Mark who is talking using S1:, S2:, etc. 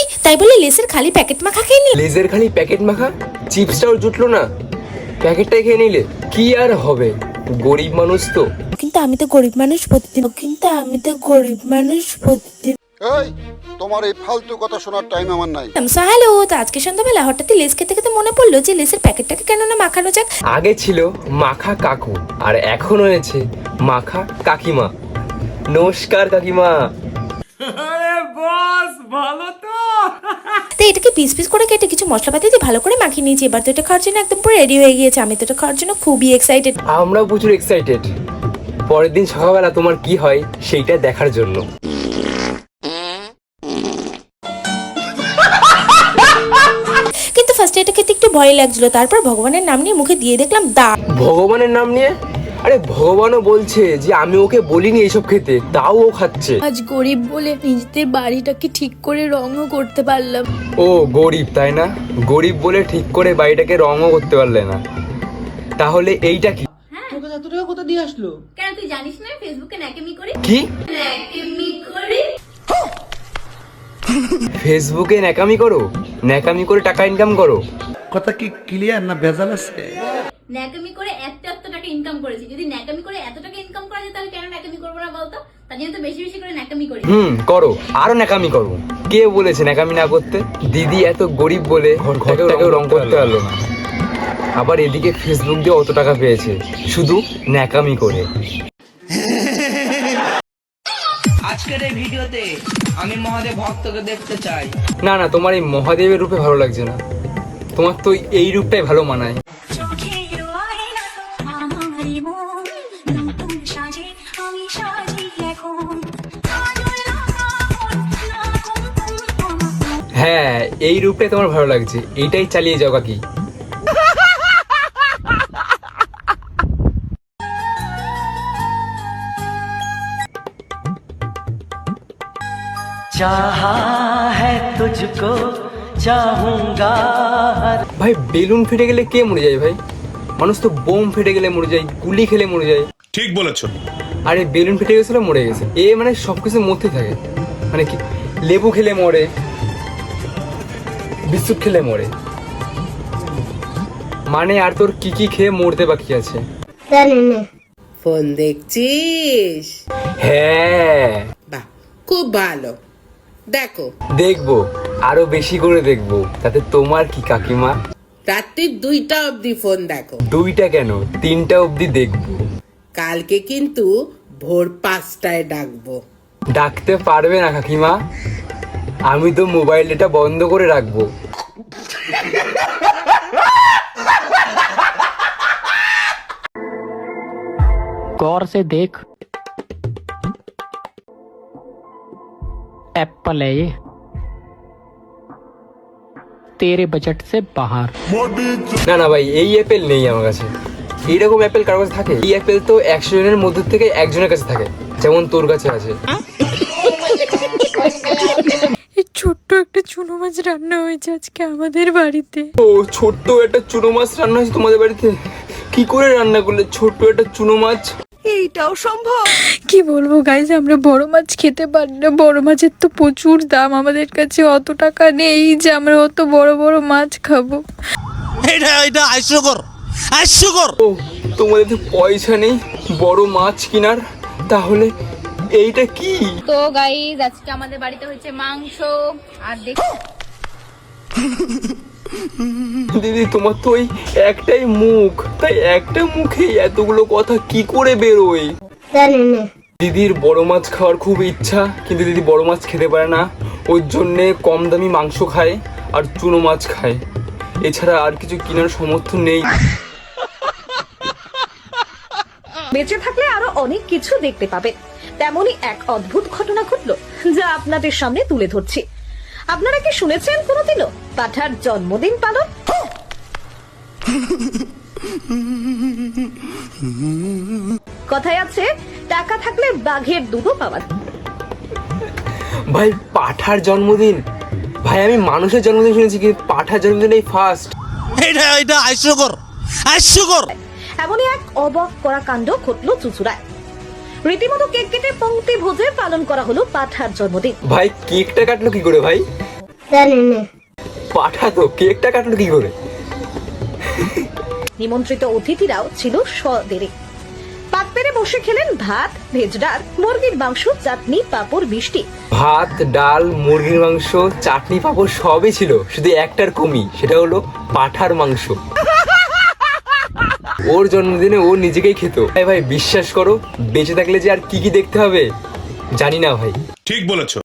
S1: তাই বলে লেসের খালি প্যাকেট মাখা খেয়ে নি।
S2: লেজের খালি প্যাকেট মাখা, চিপসটাও জুটলো না, প্যাকেটটাই খেয়ে নিলে কি আর হবে, গরিব মানুষ তো।
S1: কিন্তু আমি তো গরিব মানুষ প্রতিদিন।
S3: এই তোমার এই ফালতু কথা শোনার টাইম আমার নাই।
S1: হ্যালো, তো আজকে সন্ধ্যাবেলা হঠাৎই লেস খেতে খেতে মনে পড়লো যে লেসের প্যাকেটটাকে কেন না মাখানো যাক।
S2: আগে ছিল মাখা কাকু, আর এখন হয়েছে মাখা কাকিমা। নমস্কার কাকিমা।
S1: তো এটাকে পিস পিস করে কেটে কিছু মশলাপাতি দিয়ে ভালো করে মাখিয়ে নিয়েছি। এবার তো এটা খাওয়ার জন্য একদম পুরো রেডি হয়ে গিয়েছে। আমি তো এটা খাওয়ার জন্য খুবই এক্সাইটেড।
S2: আমরাও প্রচুর এক্সাইটেড পরের দিন সকালবেলা তোমার কি হয় সেইটা দেখার জন্য।
S1: কিন্তু ফার্স্টে এটা খেতে একটু ভয় লাগছিল, তারপর ভগবানের নাম নিয়ে মুখে দিয়ে দেখলাম দা।
S2: ভগবানের নাম নিয়ে? আরে ভগবানও বলছে যে আমি ওকে বলিনি এইসব খেতে, তাও ও খাচ্ছে।
S4: আজ গরিব বলে নিজেদের বাড়িটাকে ঠিক করে রঙও করতে পারলাম।
S2: ও গরিব তাই না? গরিব বলে ঠিক করে বাড়িটাকে রঙও করতে পারলে না, তাহলে এইটা কি?
S5: তোর কাছে এত টাকা কোথা দিয়ে আসলো?
S4: কেন তুই জানিস না ফেসবুকে ন্যাকেমি করি?
S2: কি
S4: ন্যাকেমি করি?
S2: ফেসবুকে ন্যাকামি করো? ন্যাকামি করে টাকা ইনকাম করো?
S5: কথা কি ক্লিয়ার না ভেজাল আছে?
S4: ন্যাকামি করে এত টাকা ইনকাম করেছি। যদি ন্যাকামি করে এত টাকা ইনকাম করা যায় তাহলে কেন ন্যাকামি করবো না বলতো? তার জন্য তো বেশি বেশি করে ন্যাকামি করি।
S2: করো, আরো ন্যাকামি করো। কে বলেছে ন্যাকামি না করতে? দিদি এত গরিব বলে ঘরটাকেও রং করতে পারলো না, আবার এদিকে ফেসবুক দিয়ে অত টাকা পেয়েছে শুধু ন্যাকামি করে।
S6: আজকের এই ভিডিওতে আমি মহাদেব ভক্তকে দেখতে চাই।
S2: না না, তোমার এই মহাদেবের রূপে ভালো লাগছে না, তোমার তো এই রূপটাই ভালো মানায়। হ্যাঁ, এই রূপটাই তোমার ভালো লাগছে, এইটাই চালিয়ে যাও কাকি।
S7: चाहा है तुझको चाहूंगा।
S2: ভাই বেলুন ফেটে গেলে কে মরে যায় ভাই? মানুষ তো বোম ফেটে গেলে মরে যায়, গুলি খেলে মরে যায়।
S8: ঠিক বলেছো।
S2: আরে বেলুন ফেটে গেছিল মরে গেছে, এ মানে সবকিছু মরতে থাকে। মানে কি, লেবু খেলে মরে, বিস্কুট খেলে মরে, মানে আর তোর কি কি খেয়ে মরতে বাকি আছে?
S9: ফোন দেখছিস?
S2: হ্যাঁ।
S9: বাহ, খুব ভালো, দেখো।
S2: দেখবো, আরো বেশি করে দেখবো, তাতে তোমার কি কাকিমা?
S9: রাত্রি 2টা অবধি ফোন দেখো।
S2: 2টা কেন, 3টা অবধি দেখবো।
S9: কালকে কিন্তু ভোর 5টায় ডাকবো।
S2: ডাকতে পারবে না কাকিমা, আমি তো মোবাইল ডেটা বন্ধ করে রাখবো।
S7: गौर से देख, एप्पल है ये, तेरे बजट से बाहर।
S2: না না ভাই, এই অ্যাপেল নেই আমার কাছে। এইরকম অ্যাপেল কারোর কাছে থাকে? এই অ্যাপেল তো 100 জনের মধ্যে থেকে একজনের কাছে থাকে, যেমন তোর কাছে আছে।
S4: ছোট্ট একটা চুনো মাছ রান্না হয়েছে আজকে আমাদের বাড়িতে।
S2: ও ছোট্ট একটা চুনো মাছ রান্না হয়েছে তোমাদের বাড়িতে? কি করে রান্না করলে ছোট্ট একটা চুনো মাছ?
S4: এইটাও সম্ভব? কি বলবো গাইজ, আমরা বড় মাছ খেতে পারি না। বড় মাছের তো প্রচুর দাম, আমাদের কাছে অত টাকা নেই যে আমরা অত বড় বড় মাছ খাবো।
S8: এটা হাস্যকর।
S2: ও তোমাদের তো পয়সা নেই বড় মাছ কেনার, তাহলে এইটা কি?
S4: তো গাইজ আজকে আমাদের বাড়িতে হচ্ছে মাংস। আর দেখো
S2: দিদি, তোমার তো ওই একটাই মুখ, তাই একটা মুখে এতগুলো কথা কি করে বেরোয়? দিদির বড় মাছ খাওয়ার খুব ইচ্ছা, কিন্তু দিদি বড় মাছ খেতে পারে না, ওর জন্যে কম দামি মাংস খায় আর চুনো মাছ খায়, এছাড়া আর কিছু কেনার সামর্থ্য নেই।
S10: বেঁচে থাকলে আরো অনেক কিছু দেখতে পাবেন। তেমনই এক অদ্ভুত ঘটনা ঘটলো, যা আপনাদের সামনে তুলে ধরছি। আপনারা কি শুনেছেন কোনোদিনও পাঠার জন্মদিন পালন? কথায় আছে, টাকা থাকলে বাঘের দুধও পাওয়া যায়।
S2: ভাই পাঠার জন্মদিন? ভাই আমি মানুষের জন্মদিন শুনেছি, কিন্তু পাঠার জন্মদিন এই ফার্স্ট।
S8: এটা হাস্যকর।
S10: এমনই এক অবাক করা কাণ্ড ঘটলো চুঁচুড়ায়। রীতিমতো কেক কেটে পংক্তি ভোজে পালন করা হলো পাঠার জন্মদিন।
S2: ভাই কেকটা কাটলো কি করে ভাই? পাঠা তো কেকটা কাটলো কি করে?
S10: নিমন্ত্রিত অতিথিরাও ছিল সদেরে। পাত পেরে বসে খেলেন ভাত, ভেজ ডাল, মুরগির মাংস, চাটনি, পাঁপড়, মিষ্টি।
S2: ভাত, ডাল, মুরগির মাংস, চাটনি, পাঁপড় সবই ছিল, শুধু একটার কমি, সেটা হলো পাঠার মাংস। ওর জন্মদিনে ও নিজেকেই খেত। ভাই বিশ্বাস করো, বেঁচে থাকলে যে আর কি কি দেখতে হবে জানি না ভাই।
S8: ঠিক বলেছো।